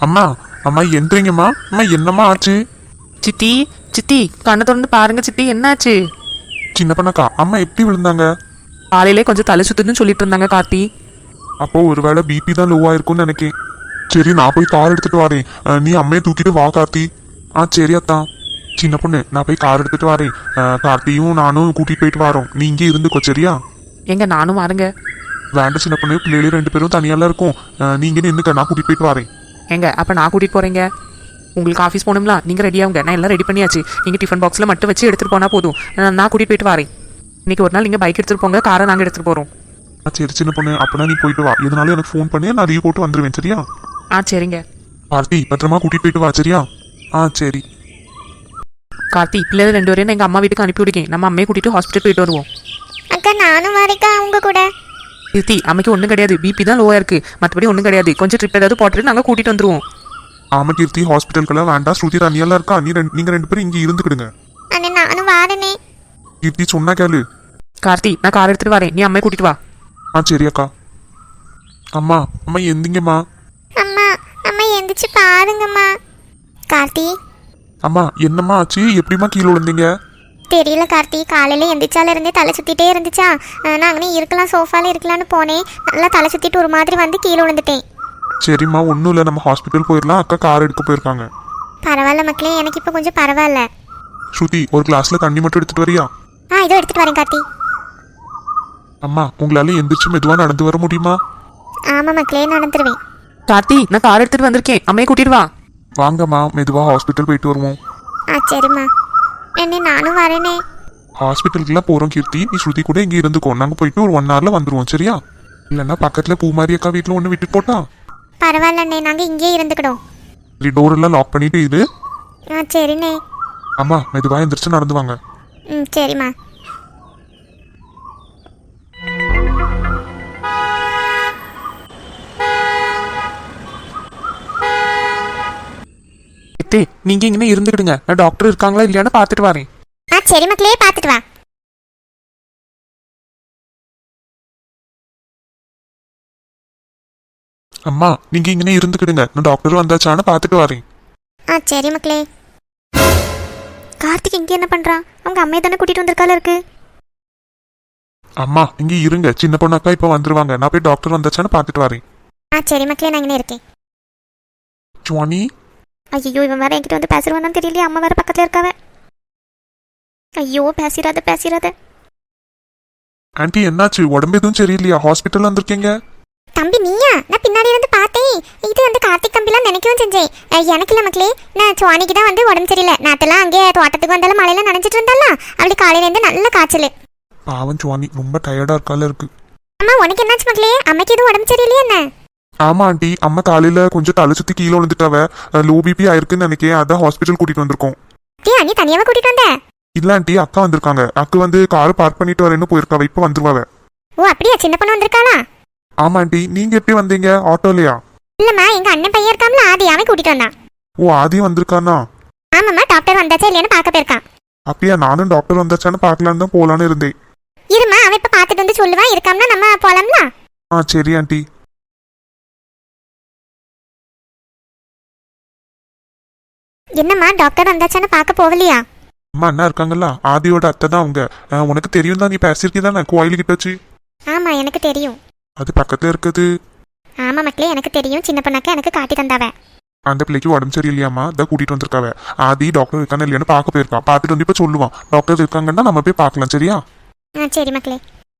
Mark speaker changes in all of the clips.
Speaker 1: அம்மா அம்மா எந்திரிங்கம்மா. அம்மா என்னம்மா ஆச்சு?
Speaker 2: சித்தி சித்தி கண்ணை திறந்து பாருங்க சித்தி, என்னாச்சு?
Speaker 1: சின்ன பண்ணக்கா அம்மா எப்படி விழுந்தாங்க?
Speaker 2: காலையிலே கொஞ்சம் தலை சுத்துதுன்னு சொல்லிட்டு இருந்தாங்க கார்த்தி.
Speaker 1: அப்போ ஒருவேளை பிபி தான் லோவா இருக்கும்னு நினைக்கேன். சரி நான் போய் கார் எடுத்துட்டு வரேன். நீ அம்மையை தூக்கிட்டு வா கார்த்தி. சரி அத்தான். சின்ன பொண்ணு நான் போய் கார் எடுத்துட்டு வரேன். கார்த்தியும் நானும் கூட்டிட்டு போயிட்டு வரோம். நீ இங்கே இருந்துக்கோ சரியா?
Speaker 2: எங்க நானும் வாருங்க.
Speaker 1: வேண்டாம் சின்ன பொண்ணு, பிள்ளைகளும் 2 பேரும் தனியால இருக்கும். நீங்க நின்னுக்க, நான் கூட்டிட்டு போயிட்டு வரேன்.
Speaker 2: எங்க அப்ப நான் கூட்டிட்டு போறேங்க. உங்களுக்கு ஆஃபீஸ் போகணும்ல, நீங்க ரெடியாகுங்க. நான் எல்லாம் ரெடி பண்ணியாச்சு. நீங்க டிஃபன் பாக்ஸ்ல மட்டும் வச்சு எடுத்துட்டு போனா போதும். நான் கூட்டிட்டு போயிட்டு வரேன். இன்னைக்கு ஒரு நாள் நீங்க பைக் எடுத்துட்டு போங்க, காரை நாங்க எடுத்துட்டு போறோம்.
Speaker 1: சரி சின்ன பொண்ணு, அப்பனா நீ போயிட்டு வா. எதனாலும் எனக்கு ஃபோன் பண்ணி நான் லீவ் போட்டு வந்துருவேன் சரியா?
Speaker 2: சரிங்க.
Speaker 1: கார்த்தி பத்திரமா கூட்டிட்டு போயிட்டு வா சரியா? சரி.
Speaker 2: கார்த்தி பிள்ளைகள் 2 பேரையும் எங்க அம்மா வீட்டுக்கு அனுப்பி விடுங்க. நம்ம அம்மையை கூட்டிட்டு ஹாஸ்பிட்டல் போயிட்டு வருவோம்.
Speaker 3: அக்கா நானும் வரேக்கா அவங்க கூட.
Speaker 2: சித்தி அம்மைக்கு ஒன்றும் கிடையாது, பிபி தான் லோவா இருக்கு, மற்றபடி ஒன்றும் கிடையாது. கொஞ்சம் ட்ரிப் ஏதாவது போட்டுட்டு நாங்கள் கூட்டிட்டு வந்துருவோம்.
Speaker 1: ஆமா கீர்த்தி, ஹாஸ்பிட்டலுக்கெல்லாம் வேண்டாம். ஸ்ருதி தனியெல்லாம் இருக்கா, நீங்க 2 பேரும் இங்கே இருந்துக்கிடுங்க.
Speaker 3: அண்ணே நானும் வாரனே.
Speaker 1: கீர்த்தி சொன்னா கேளு.
Speaker 2: கார்த்தி நான் கார் எடுத்துட்டு வரேன், நீ அம்மையை கூட்டிட்டு வா.
Speaker 1: சரி அக்கா. அம்மா அம்மா எந்திங்கம்மா.
Speaker 3: அம்மா அம்மா எந்திரிச்சு பாருங்கம்மா. கார்த்தி
Speaker 1: அம்மா என்னம்மா ஆச்சு? எப்படிம்மா கீழே விழுந்தீங்க?
Speaker 3: தெரியல கார்த்தி, காலையில எந்திரிச்சால இருந்தே தலை சுத்திட்டே இருந்துச்சா. நான் அங்கே இருக்கலாம், சோஃபால இருக்கலாம்னு போனேன். நல்லா தலை சுத்திட்டு ஒரு மாதிரி வந்து கீழே விழுந்துட்டேன்.
Speaker 1: சரிம்மா ஒன்றும் இல்லை, நம்ம ஹாஸ்பிட்டல் போயிடலாம். அக்கா கார் எடுக்க போயிருக்காங்க.
Speaker 3: பரவாயில்ல மக்களே, எனக்கு இப்போ கொஞ்சம் பரவாயில்ல.
Speaker 1: ஸ்ருதி ஒரு கிளாஸ்ல தண்ணி மட்டும் எடுத்துட்டு வரியா?
Speaker 3: இதோ எடுத்துட்டு வரேன் கார்த்தி.
Speaker 1: அம்மா உங்களால எந்திரிச்சு மெதுவா நடந்து வர முடியுமா?
Speaker 3: ஆமா மக்களே, நடந்துருவேன்.
Speaker 2: கார்த்தி நான் கார் எடுத்துட்டு வந்திருக்கேன், அம்மையை கூட்டிட்டு வா.
Speaker 1: வாங்கம்மா மெதுவா ஹாஸ்பிட்டல் போயிட்டு வருவோம்.
Speaker 3: சரிம்மா. என்ன நானும் வரேனே.
Speaker 1: ஹாஸ்பிட்டலுக்குலாம் போறோம் கீர்த்தி, நீ ஸ்ருதி கூட இங்கே இருந்துக்கோ. நாங்கள் போயிட்டு ஒரு 1 ஹவர்ல வந்துருவோம் சரியா? இல்லைன்னா பக்கத்துல பூமாரி அக்கா வீட்டில் ஒன்று விட்டுட்டு போட்டா?
Speaker 3: பரவாயில்லண்ணே, நாங்கள் இங்கேயே இருந்துக்கிடும்.
Speaker 1: டோர் எல்லாம் லாக் பண்ணிட்டு இரு.
Speaker 3: சரிண்ணே.
Speaker 1: அம்மா மெதுவா எந்திரிச்சு நடந்து வாங்க.
Speaker 3: சரிம்மா.
Speaker 2: நீங்க இங்கே இருந்துக்கிடுங்க, நான் டாக்டர் இருக்காங்களா இல்லையான்னு பார்த்துட்டு வரேன்.
Speaker 3: சரி மக்களே, பார்த்துட்டு வா.
Speaker 1: அம்மா நீங்க இங்கே இருந்துக்கிடுங்க, நான் டாக்டர் வந்தாச்சான்னு பார்த்துட்டு வரேன்.
Speaker 3: சரி மக்களே. கார்த்திக் இங்கே என்ன பண்றான்? அவங்க அம்மையை தானே கூட்டிட்டு வந்திருக்கால இருக்கு.
Speaker 1: அம்மா இங்கே இருங்க, சின்ன பொண்ணு அக்கா இப்போ வந்துருவாங்க. நான் போய் டாக்டர் வந்தாச்சான்னு பார்த்துட்டு வரேன்.
Speaker 3: சரி மக்களே, நான் இங்கே இருக்கேன்.
Speaker 1: சுவானி.
Speaker 3: ஐயோ இவன் வேற என்கிட்ட வந்து பேசுவானான்னு தெரியலையே. அம்மா வேற பக்கத்துல இருக்காவ. ஐயோ பேசிடாத.
Speaker 1: ஆன்ட்டி என்னாச்சு? உடம்பு எதுவும் சரியில்லையா? ஹாஸ்பிட்டல் வந்திருக்கீங்க?
Speaker 3: தம்பி நீயா? நான் பின்னாடி வந்து பார்த்தேன். இது வந்து கார்த்திக் தம்பிலாம் நினைக்கவும் செஞ்சேன். எனக்கு இல்லை மக்களே, நான் சுவானிக்கு தான் வந்து உடம்பு சரியில்லை. நாத்தெல்லாம் அங்கே தோட்டத்துக்கு வந்தாலும் மழையில நனைஞ்சிட்டு இருந்தால அப்படி காலையிலேருந்து நல்ல காய்ச்சல்.
Speaker 1: பாவம் சுவானி ரொம்ப டயர்டா இருக்கால இருக்கு.
Speaker 3: அம்மா உனக்கு என்னாச்சு மக்களே? அம்மைக்கு எதுவும் உடம்பு சரியில்லையா என்ன?
Speaker 1: ஆமா ஆண்டி, அம்மா காலையில கொஞ்சம் தலை சுத்தி கீழே விழுந்துட்டாவ. லோ பிபி ஆயிருக்குன்னு நினைக்கிறேன், அதான் ஹாஸ்பிட்டல் கூட்டிட்டு வந்திருக்கோம்.
Speaker 3: நீ தனியாவா கூட்டிட்டு வந்த?
Speaker 1: இல்ல ஆண்டி, அக்கா வந்திருக்காங்க. அக்கா வந்து கார் பார்க் பண்ணிட்டு வரேன்னு போயிருக்காவ, இப்ப வந்துருவாவ.
Speaker 3: அப்படியா? சின்ன பொண்ணு வந்திருக்காளா?
Speaker 1: ஆமா ஆண்டி. நீங்க எப்படி வந்தீங்க? ஆட்டோலயா?
Speaker 3: இல்லம்மா, எங்க அண்ணன் பையன் இருக்காம்ல, ஆதி, அவன் கூட்டிட்டு வந்தான்.
Speaker 1: ஆதி வந்திருக்கானா?
Speaker 3: ஆமாம்மா, டாக்டர் வந்தாச்சா இல்லையான்னு பார்க்க போயிருக்கான்.
Speaker 1: அப்படியா? நானும் டாக்டர் வந்தாச்சான்னு பார்க்கலான்னு தான் போலான்னு இருந்தேன்.
Speaker 3: இருமா, அவன் இப்ப பார்த்துட்டு வந்து சொல்லுவான். இருக்காம்னா நம்ம போலாம்ல.
Speaker 1: சரி ஆண்டி.
Speaker 3: என்னம்மா டாக்டர் வந்தாச்சான்னு பார்க்க போகலையா?
Speaker 1: அம்மா அண்ணா இருக்காங்கல்ல, ஆதியோட அத்தை தான் அவங்க. உனக்கு தெரியும் தான், நீ பேசியிருக்கீதானே கோயிலுக்கிட்ட வச்சு?
Speaker 3: ஆமா எனக்கு தெரியும்.
Speaker 1: அது பக்கத்துல இருக்குது.
Speaker 3: ஆமா மக்களே, எனக்கு தெரியும். சின்ன பொண்ணாக்க எனக்கு காட்டி தந்தாவ.
Speaker 1: அந்த பிள்ளைக்கு உடம்பு சரியில்லையாமா, அதான் கூட்டிட்டு வந்திருக்காவ. ஆதி டாக்டர் இருக்கான்னு இல்லையான்னு பார்க்க போயிருக்கா. பார்த்துட்டு வந்து இப்ப சொல்லுவான். டாக்டர் இருக்காங்கன்னா நம்ம போய் பார்க்கலாம் சரியா?
Speaker 3: சரி மக்களே.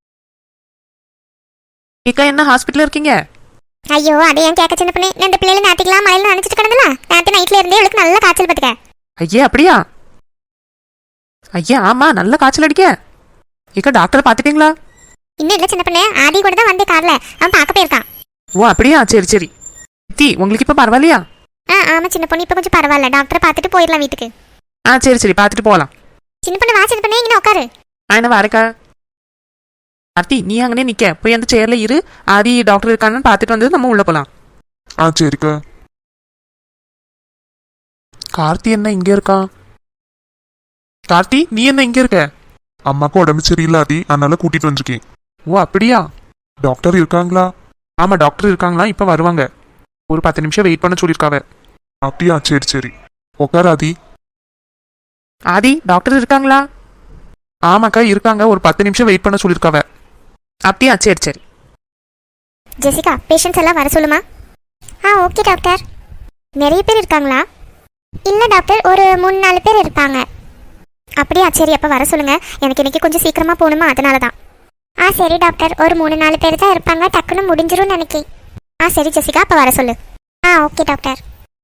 Speaker 2: ஏக்கா என்ன ஹாஸ்பிட்டல் இருக்கீங்க?
Speaker 3: ஐயோ அதை ஏன் கேட்க சின்ன பொண்ணு. இந்த பிள்ளைல நேற்றுக்கெல்லாம் மழையில நினைச்சிட்டு கிடந்தல. நேற்று நைட்ல இருந்தே அவளுக்கு நல்ல காய்ச்சல் பத்துக்க.
Speaker 2: ஐயா அப்படியா? ஐயா ஆமா, நல்ல காய்ச்சல் அடிக்க. ஏக்கா டாக்டர் பார்த்துட்டீங்களா?
Speaker 3: இன்னும் இல்லை சின்ன பொண்ணு, ஆதி கூட தான் வந்து கார்ல. அவன் பார்க்க போயிருக்கான்.
Speaker 2: அப்படியா? சரி சரி. உங்களுக்கு இப்ப பரவாயில்லையா?
Speaker 3: ஆமா சின்ன பொண்ணு, இப்ப கொஞ்சம் பரவாயில்ல. டாக்டரை பார்த்துட்டு போயிடலாம் வீட்டுக்கு.
Speaker 2: சரி சரி, பார்த்துட்டு போகலாம்.
Speaker 3: சின்ன பொண்ணு வா. சின்ன பொண்ணு இங்கே உட்காரு.
Speaker 2: என்ன வரக்கா? கார்த்தி நீ அங்கனே நிக்க, போய் அந்த சேர்ல இரு. ஆதி டாக்டர் இருக்கான்னு பார்த்துட்டு வந்து நம்ம உள்ள போலாம்.
Speaker 1: சரிக்கா.
Speaker 2: கார்த்தி என்ன இங்க இருக்கான்? கார்த்தி நீ என்ன இங்க இருக்க?
Speaker 1: அம்மாக்கு உடம்பு சரியில்லை ஆதி, அதனால கூட்டிட்டு வந்திருக்கேன்.
Speaker 2: அப்படியா?
Speaker 1: டாக்டர் இருக்காங்களா?
Speaker 2: ஆமா டாக்டர் இருக்காங்களா, இப்ப வருவாங்க. ஒரு 10 நிமிஷம் வெயிட் பண்ண சொல்லியிருக்காவ.
Speaker 1: அப்படியா? சரி சரி, உட்கார் ஆதி.
Speaker 2: ஆதி, டாக்டர் இருக்காங்களா? ஆமாக்கா இருக்காங்க, ஒரு 10 நிமிஷம் வெயிட் பண்ண சொல்லியிருக்காவ. அப்படியா? சரி சரி.
Speaker 3: ஜெசிகா, பேஷண்ட்ஸ் எல்லாம் வர சொல்லுமா? Okay doctor. நிறைய பேர் இருக்காங்களா? இல்லை டாக்டர், ஒரு 3-4 பேர் இருப்பாங்க. அப்படியா? சரி, அப்போ வர சொல்லுங்க. எனக்கு இன்னைக்கு கொஞ்சம் சீக்கிரமாக போகணுமா, அதனால தான். சரி டாக்டர், ஒரு 3-4 பேர் தான் இருப்பாங்க, டக்குன்னு முடிஞ்சிரும் நினைக்கிறேன். சரி ஜெசிகா, அப்போ வர சொல்லு. Okay doctor.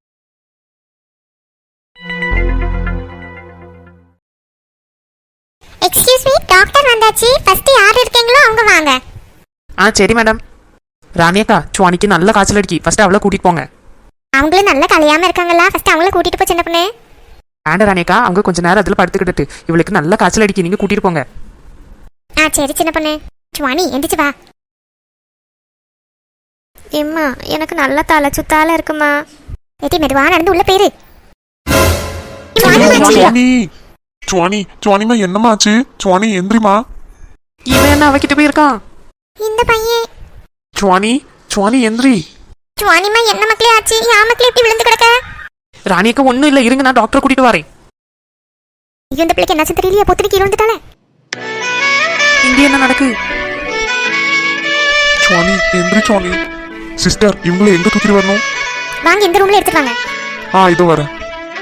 Speaker 3: Excuse me, doctor வந்தாச்சு. ஃபர்ஸ்ட் யார் இருக்கீங்களோ அவங்க வாங்க.
Speaker 2: சரி மேடம். ராணியக்கா, சுவானிக்கு நல்ல காய்ச்சல் அடிக்கி, ஃபர்ஸ்ட் அவளை கூட்டிட்டு போங்க.
Speaker 3: அவங்களும் நல்லா கலையாம இருக்காங்களா? ஃபர்ஸ்ட் அவங்கள கூட்டிட்டு போ சின்ன பொண்ணு.
Speaker 2: வேண்ட ராணியக்கா, அவங்க கொஞ்ச நேரம் அதில் படுத்துக்கிட்டு, இவளுக்கு நல்ல காய்ச்சல் அடிக்கி, நீங்க கூட்டிட்டு போங்க.
Speaker 3: சரி சின்ன பொண்ணு. சுவானி எந்திரிச்சு வா. எம்மா, எனக்கு நல்ல தலை சுத்தால இருக்குமா. ஏட்டி மெதுவா நடந்து உள்ள போயிரு.
Speaker 1: சுவானி சுவானி சுவானிமா, என்னம்மா ஆச்சு? சுவானி எந்திரிமா.
Speaker 2: இவன் என்ன அவகிட்ட போயிருக்கான்?
Speaker 3: இந்த பையன்.
Speaker 2: சுவானி சுவானி எந்திரி.
Speaker 3: சுவானிமா, என்ன மக்களே ஆச்சு? யா மக்களே இப்படி விழுந்து கிடக்க?
Speaker 2: ராணியக்கா ஒன்றும் இல்லை, இருங்க, நான் டாக்டரை கூட்டிட்டு வரேன்.
Speaker 3: ஐயோ, இந்த பிள்ளைக்கு என்னாச்சு தெரியலையா? பொத்துக்கு கீழே வந்துட்டாலே.
Speaker 2: இங்கே என்ன நடக்கு?
Speaker 1: சுவானி எந்திரி. சுவானி சிஸ்டர், இவங்களை எங்க தூக்கிட்டு வரணும்?
Speaker 3: வாங்க, இந்த ரூம்ல எடுத்துட்டு வாங்க.
Speaker 1: இதோ வரேன்.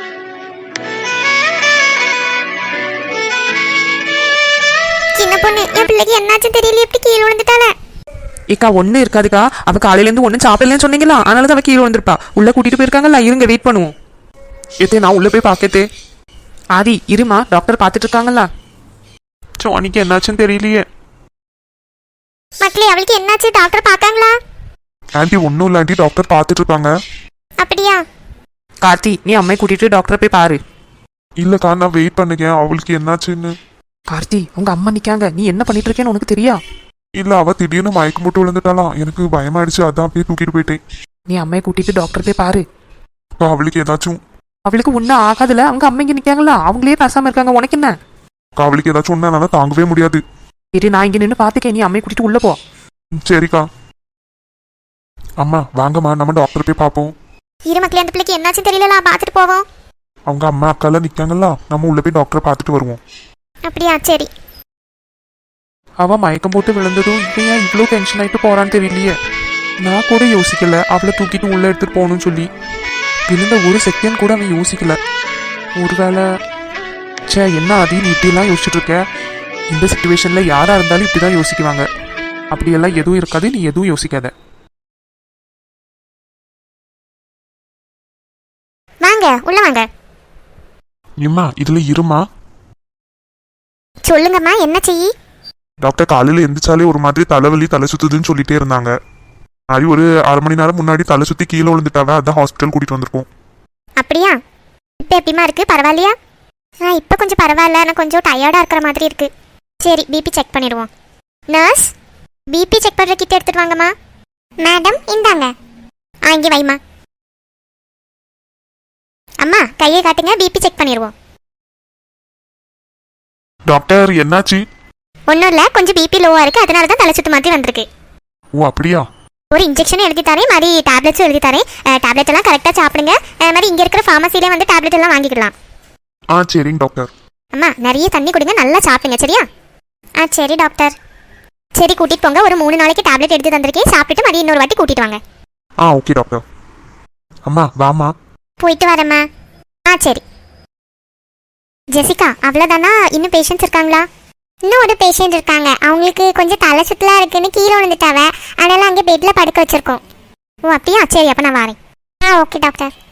Speaker 3: சின்ன பொண்ணு, என் பிள்ளைக்கு என்னாச்சு தெரியல, எப்படி கீழே விழுந்துட்டாலே.
Speaker 2: ஏக்கா ஒன்றும் இருக்காதுக்கா, அவ காலையிலேருந்து ஒன்றும் சாப்பிடலன்னு சொன்னீங்களா, அதனால தான் அவ கீழே வந்திருப்பா. உள்ள கூட்டிட்டு போயிருக்காங்கல்ல, இருங்க வெயிட் பண்ணுவோம்.
Speaker 1: ஏத்தே, நான் உள்ள போய் பார்க்கத்தே.
Speaker 2: ஆதி இருமா, டாக்டர் பார்த்துட்டு இருக்காங்களா?
Speaker 1: சுவானிக்கு என்னாச்சுன்னு தெரியலையே.
Speaker 3: மக்களே, அவளுக்கு என்னாச்சு? டாக்டர் பார்த்தாங்களா?
Speaker 1: ஆண்டி ஒன்றும் இல்லை ஆண்டி, டாக்டர் பார்த்துட்டு இருக்காங்க.
Speaker 3: அப்படியா?
Speaker 2: கார்த்தி, நீ அம்மையை கூட்டிட்டு டாக்டரை போய் பாரு.
Speaker 1: இல்லக்கா, நான் வெயிட் பண்ணுங்க, அவளுக்கு என்னாச்சுன்னு.
Speaker 2: கார்த்தி, உங்க அம்மா நிக்காங்க, நீ என்ன பண்ணிட்டு இருக்கேன்னு உனக்கு தெரியா?
Speaker 1: இல்ல, அவ திடீர்னு மயக்கம் போட்டு விழுந்துட்டாலாம், எனக்கு பயமாயிடுச்சு, அதான் அப்படியே தூக்கிட்டு போயிட்டேன்.
Speaker 2: நீ அம்மையை கூட்டிட்டு டாக்டர் போய் பாரு.
Speaker 1: அவளுக்கு ஏதாச்சும்
Speaker 2: அவளுக்கு ஒன்றும் ஆகாதுல, அவங்க அம்மா இங்க நிக்காங்களா, அவங்களே பேசாம இருக்காங்க, உனக்கு என்ன?
Speaker 1: அவளுக்கு ஏதாச்சும் ஒன்னா தாங்கவே முடியாது.
Speaker 2: சரி, நான் இங்க நின்று பாத்துக்கேன், நீ அம்மையை கூட்டிட்டு உள்ள போ.
Speaker 1: சரிக்கா. அம்மா வாங்கம்மா, நம்ம டாக்டர் போய் பார்ப்போம்.
Speaker 3: இரு மக்களே, அந்த பிள்ளைக்கு என்னாச்சு தெரியல, பார்த்துட்டு போவோம்.
Speaker 1: அவங்க அம்மா அக்காலாம் நிக்காங்கல்ல, நம்ம உள்ள போய் டாக்டரை பார்த்துட்டு வருவோம்.
Speaker 3: அப்படியா? சரி.
Speaker 2: அவ மயக்கம் போட்டு விழுந்ததும் இவன் ஏன் இவ்வளோ டென்ஷன் ஆயிட்டு போறான்னு தெரியலையே. நான் கூட யோசிக்கல அவளை தூக்கிட்டு உள்ள எடுத்துட்டு போகணும்னு சொல்லி. விழுந்த ஒரு செகண்ட் கூட அவன் யோசிக்கல. ஒருவேளை என்ன ஆதி, நீ இப்படிலாம் யோசிச்சுட்டு இருக்க? இந்த சுச்சுவேஷன்ல யாரா இருந்தாலும் இப்படிதான் யோசிக்குவாங்க. அப்படியெல்லாம் எதுவும் இருக்காது, நீ எதுவும் யோசிக்காத.
Speaker 3: வாங்க, உள்ள வாங்க.
Speaker 1: இம்மா இதுல இருமா.
Speaker 3: சொல்லுங்கம்மா, என்ன செய்யி?
Speaker 1: டாக்டர் காலையில எந்திரிச்சாலே ஒரு மாதிரி தலைவலி, தலை சுத்துதுன்னு சொல்லிட்டே இருந்தாங்க. அது ஒரு 1/2 மணி நேரம் முன்னாடி தலை சுத்தி கீழே விழுந்துட்டாவ, அதான் ஹாஸ்பிட்டல் கூட்டிட்டு வந்திருக்கோம்.
Speaker 3: அப்படியா? இப்போ எப்படிமா இருக்கு? பரவாயில்லையா? இப்போ கொஞ்சம் பரவாயில்ல, ஆனால் கொஞ்சம் டயர்டா இருக்கிற மாதிரி இருக்கு. சரி, பிபி செக் பண்ணிடுவோம். நர்ஸ், பிபி செக் பண்ற கிட்ட எடுத்துட்டு வாங்கம்மா. மேடம் இந்தாங்க. இங்கே வைமா. அம்மா கையை காட்டுங்க, பிபி செக் பண்ணிடுவோம்.
Speaker 1: டாக்டர் என்னாச்சு?
Speaker 3: ஒன்றும் இல்லை, கொஞ்சம் பிபி லோவாக இருக்குது, அதனால தான் தலை சுத்து மாதிரி வந்திருக்கு.
Speaker 1: ஓ அப்படியா?
Speaker 3: ஒரு இன்ஜெக்ஷன் எழுதி தரேன், மாதிரி டேப்லெட்ஸும் எழுதி தரேன். டேப்லெட் எல்லாம் கரெக்டாக சாப்பிடுங்க. மாதிரி இங்கே இருக்கிற ஃபார்மசிலே வந்து டேப்லெட் எல்லாம் வாங்கிக்கலாம்.
Speaker 1: சரிங்க டாக்டர்.
Speaker 3: அம்மா நிறைய தண்ணி குடிங்க, நல்லா சாப்பிடுங்க, சரியா? சரி டாக்டர். சரி, கூட்டிட்டு போங்க. ஒரு 3 நாளைக்கு டேப்லெட் எடுத்து தந்திருக்கேன், சாப்பிட்டுட்டு மறுபடியும் இன்னொரு வாட்டி கூட்டிட்டு வாங்க.
Speaker 1: Okay doctor. அம்மா வாமா.
Speaker 3: போயிட்டு வரேம்மா. சரி. ஜெசிகா, அவ்வளோதானா? இன்னும் பேஷண்ட்ஸ் இருக்காங்களா? இன்னும் ஒரு பேஷண்ட் இருக்காங்க, அவங்களுக்கு கொஞ்சம் தலை சுத்தலாக இருக்குன்னு கீழே விழுந்துட்டாவ, அதனால அங்கே பெட்டில் படுக்க வச்சிருக்கோம். ஓ அப்படியா? சரி, அப்போ நான் வரேன். Okay doctor.